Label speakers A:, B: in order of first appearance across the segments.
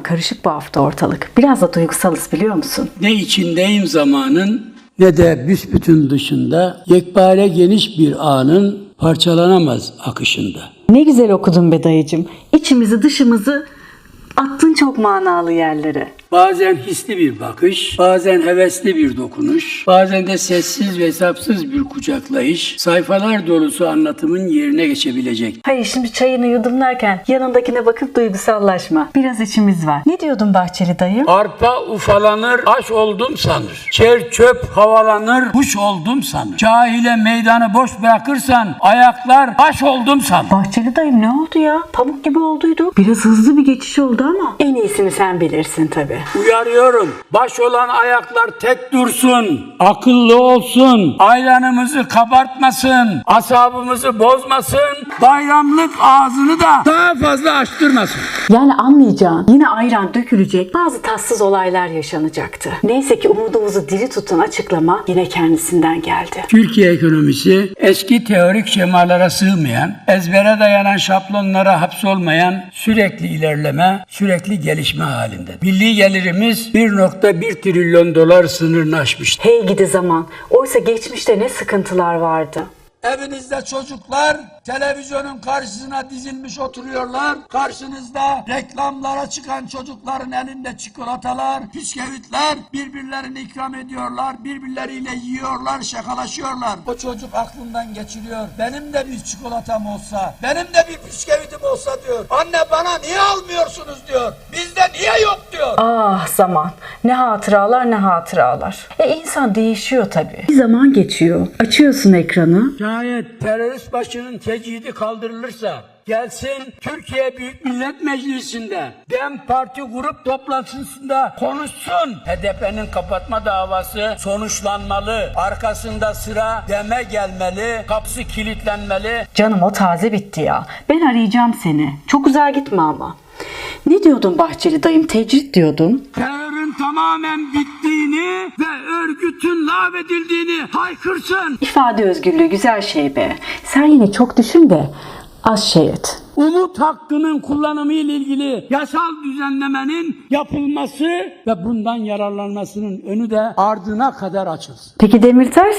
A: karışık bu hafta ortalık. Biraz da duygusalız biliyor musun?
B: Ne içindeyim zamanın ne de büsbütün dışında, yekpare geniş bir anın parçalanamaz akışında.
A: Ne güzel okudun be dayıcım. İçimizi dışımızı attın çok manalı yerlere.
B: Bazen hisli bir bakış, bazen hevesli bir dokunuş, bazen de sessiz ve hesapsız bir kucaklayış, sayfalar dolusu anlatımın yerine geçebilecek.
A: Hayır şimdi çayını yudumlarken yanındakine bakıp duygusallaşma. Biraz içimiz var. Ne diyordun Bahçeli dayı?
B: Arpa ufalanır, aş oldum sanır. Çer çöp havalanır, kuş oldum sanır. Cahile meydanı boş bırakırsan, ayaklar taş oldum sanır.
A: Bahçeli dayım ne oldu ya? Pamuk gibi olduydu. Biraz hızlı bir geçiş oldu ama en iyisini sen bilirsin tabii.
B: Uyarıyorum, baş olan ayaklar tek dursun, akıllı olsun, ayranımızı kabartmasın, asabımızı bozmasın, bayramlık ağzını da daha fazla açtırmasın.
A: Yani anlayacağın yine ayran dökülecek, bazı tatsız olaylar yaşanacaktı. Neyse ki umudumuzu diri tutan açıklama yine kendisinden geldi.
B: Türkiye ekonomisi eski teorik şemalara sığmayan, ezbere dayanan şablonlara hapsolmayan sürekli ilerleme, sürekli gelişme halinde. Milli gelirimiz 1,1 trilyon dolar sınırını aşmıştı.
A: Hey gidi zaman. Oysa geçmişte ne sıkıntılar vardı.
C: Evinizde çocuklar televizyonun karşısına dizilmiş oturuyorlar. Karşınızda reklamlara çıkan çocukların elinde çikolatalar, bisküvitler, birbirlerini ikram ediyorlar, birbirleriyle yiyorlar, şakalaşıyorlar. O çocuk aklından geçiriyor. Benim de bir çikolatam olsa, benim de bir bisküvitim olsa diyor. Anne bana niye almıyorsunuz diyor. Bizde niye yok diyor.
A: Ah zaman. Ne hatıralar ne hatıralar. İnsan değişiyor tabii. Bir zaman geçiyor. Açıyorsun ekranı.
B: Şayet terörist başının tecidi kaldırılırsa gelsin Türkiye Büyük Millet Meclisi'nde DEM Parti grup toplantısında konuşsun. HDP'nin kapatma davası sonuçlanmalı. Arkasında sıra DEM'e gelmeli. Kapısı kilitlenmeli.
A: Canım o taze bitti ya. Ben arayacağım seni. Çok uzağa gitme ama. Ne diyordun Bahçeli dayım? Tecrit diyordun.
B: Terörün tamamen bittiğini ve örgütün lağvedildiğini haykırsın.
A: İfade özgürlüğü güzel şey be. Sen yine çok düşün de az şey et.
B: Umut hakkının kullanımı ile ilgili yasal düzenlemenin yapılması ve bundan yararlanmasının önü de ardına kadar açılsın.
A: Peki Demirtaş?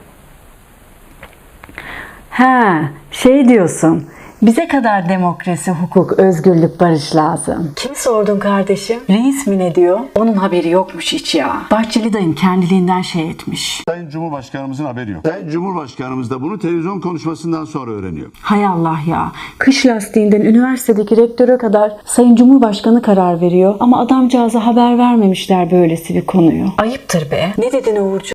A: Şey diyorsun. Bize kadar demokrasi, hukuk, özgürlük, barış lazım. Kimi sordun kardeşim? Reis mi ne diyor? Onun haberi yokmuş hiç ya. Bahçeli dayım kendiliğinden şey etmiş.
D: Sayın Cumhurbaşkanımızın haberi yok. Sayın Cumhurbaşkanımız da bunu televizyon konuşmasından sonra öğreniyor.
A: Hay Allah ya. Kış lastiğinden üniversitedeki rektöre kadar Sayın Cumhurbaşkanı karar veriyor. Ama adamcağıza haber vermemişler böylesi bir konuyu. Ayıptır be. Ne dedin Uğurcuğum?